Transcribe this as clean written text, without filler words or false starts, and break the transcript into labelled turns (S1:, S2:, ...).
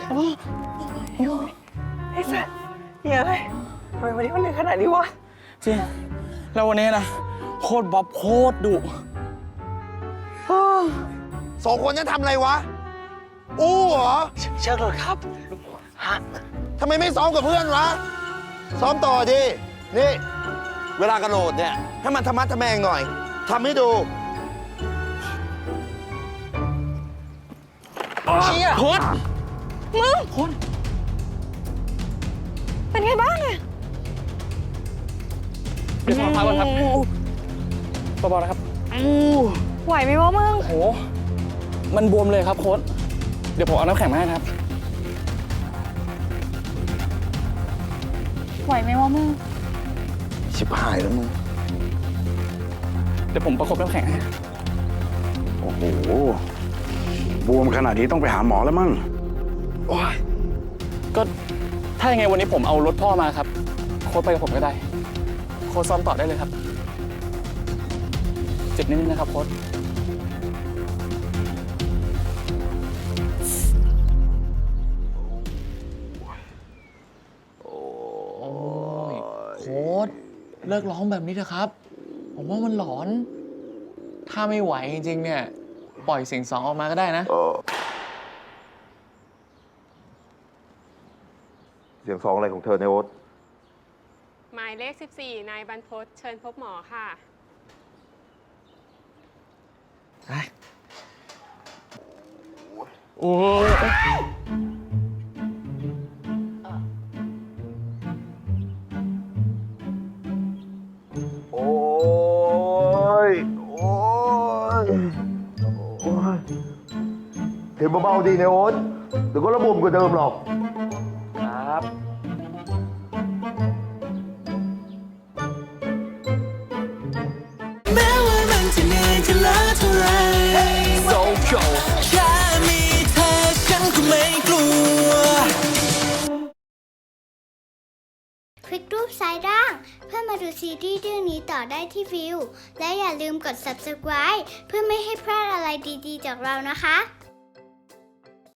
S1: ไอ้สัสเฮียอะไรทำไมวันนี้มันเหนื่อยขนาดนี้วะ
S2: จริงแล้ววันนี้นะโคตรบ๊อบโคตรดุ
S3: 2 คนนั้นทำอะไรวะอู้เหรอ
S1: เชิญเลยครับฮะ
S3: ทำไมไม่ซ้อมกับเพื่อนวะซ้อมต่อดินี่เวลากระโดดเนี่ยให้มันธรรมะทะแมงหน่อยทำให้ดู
S1: เชี่ย
S2: โคตร
S4: มึง
S2: โคตร
S4: เป็นไงบ้างอะ
S2: เดี๋ยวขอพักก่อนครับเบาๆนะครับ
S4: ไหวไหมวะมึง
S2: โอ้โหมันบวมเลยครับโค้ชเดี๋ยวผมเอาน้ำแข็งมาให้นะครับ
S4: ไหวไหมวะมึง
S3: ชิบหายแล้วมึง
S2: เดี๋ยวผมประคบน้ำแข็งให้
S5: โอ้โห บวมขนาดนี้ต้องไปหาหมอแล้วมั้ง
S2: โอ้ยก็ถ้ายังไงวันนี้ผมเอารถพ่อมาครับโค้ชไปกับผมก็ได้โค้ชซ้อมต่อได้เลยครับเจ็บนิดนึงนะครับโค้ช
S1: โค้ดเลิกร้องแบบนี้เถอะครับ ผมว่ามันหลอน ถ้าไม่ไหวจริงๆเนี่ยปล่อยเสียงสองออกมาก็ได้นะ
S3: เสียง2อะไรของเธอในโอ๊ต
S6: หมายเลข 14 นายบรรพตเชิญพบหมอค่ะ
S2: โอ้ย
S3: โอ้ยโอ้ยโอ้ยเห็นเบาๆดีในโอ๊ตเดี๋ยวก็ระบมกว่าเดิมหรอก
S2: ครับ
S7: แม้ว่ามันจะเหนื่อยจะล้าเท่าไร
S2: So cool
S7: แค่มีเธอฉันก็ไม่กลัว
S8: คลิกรูปซ้ายล่างเพื่อมาดูซีรีส์เรื่องนี้ต่อได้ที่วิวและอย่าลืมกด subscribe เพื่อไม่ให้พลาดอะไรดีๆจากเรานะคะ